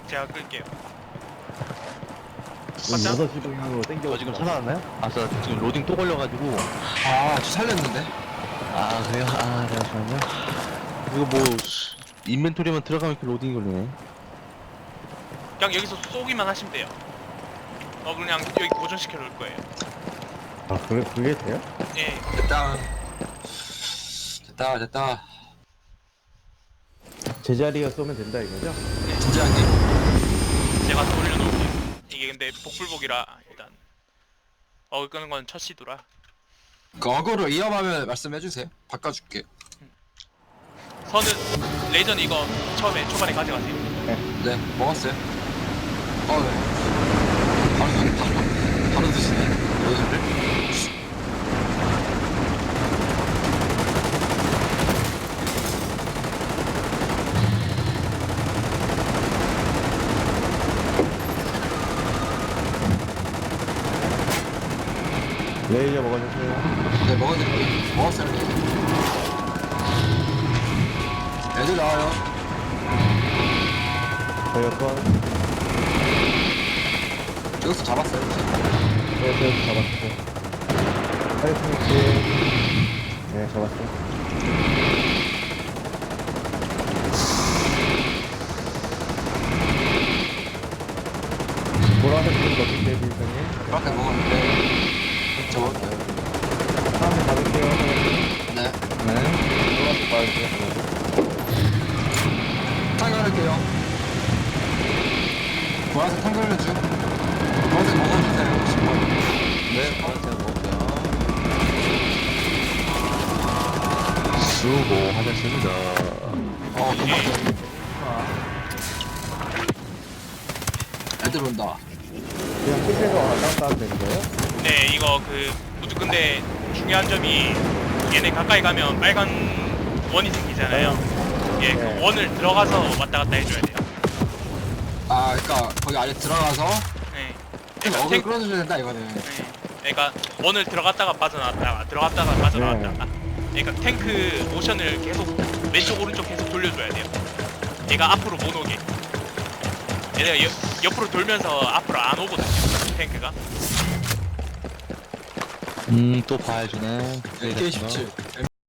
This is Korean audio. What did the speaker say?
제가 끌게요. 지금 맞죠? 6시 방향으로 땡겨. 지금 살아났나요? 아싸 지금 로딩 또 걸려가지고. 아, 저 살렸는데? 아 그래요? 아 잠시만요. 이거 뭐 인벤토리만 들어가면 이렇게 로딩이 걸리네. 그냥 여기서 쏘기만 하시면 돼요. 그냥 여기 고정시켜 놓을 거예요. 아, 그게 돼요? 예. 됐다. 됐다, 됐다. 제자리가 쏘면 된다 이거죠? 진지하게. 제가 돌려놓을게요. 이게 근데 복불복이라 일단 끄는 건 첫 시도라. 그 어그로 위험하면 말씀해주세요. 바꿔줄게. 선은 레이저는 이거 처음에 초반에 가져가세요. 네, 먹었어요. 네. 바로 드시네. 레이저를. 레이저 먹어주세요. 네, 먹어드릴게요. 먹었어요. 애들 나와요. 저희 건 여기서 잡았어요. 저희 잡았어요. 파이팅. 네, 잡았어요. 보라색 좀 넣을게요, 빌상님. 그렇게 먹었는데. 저 먹을게요. 다음에 받을게요, 사장님. 네. 네. 보라색 받을게요. 탕갈할게요. 보라색 탕갈해줘. 보라색 먹어주세요. 10번. 네, 바로 먹을게요. 수고하셨습니다. 금방 애들 온다. 그냥 끝에서 왔다 갔다 하면 되는 거예요? 네, 이거 근데 중요한 점이 얘네 가까이 가면 빨간 원이 생기잖아요. 예, 그 네. 원을 들어가서 왔다 갔다 해줘야 돼요. 아, 그니까 거기 안에 들어가서 네. 어글 탱, 끌어줘야 된다 이거는. 네. 그러니까 원을 들어갔다가 빠져나왔다가 들어갔다가 빠져나왔다가. 그러니까 탱크 모션을 계속 왼쪽 오른쪽 계속 돌려줘야 돼요. 얘가 앞으로 못 오게. 얘네가 옆으로 돌면서 앞으로 안 오거든요. 탱크가. 또 봐야주네. AK 17.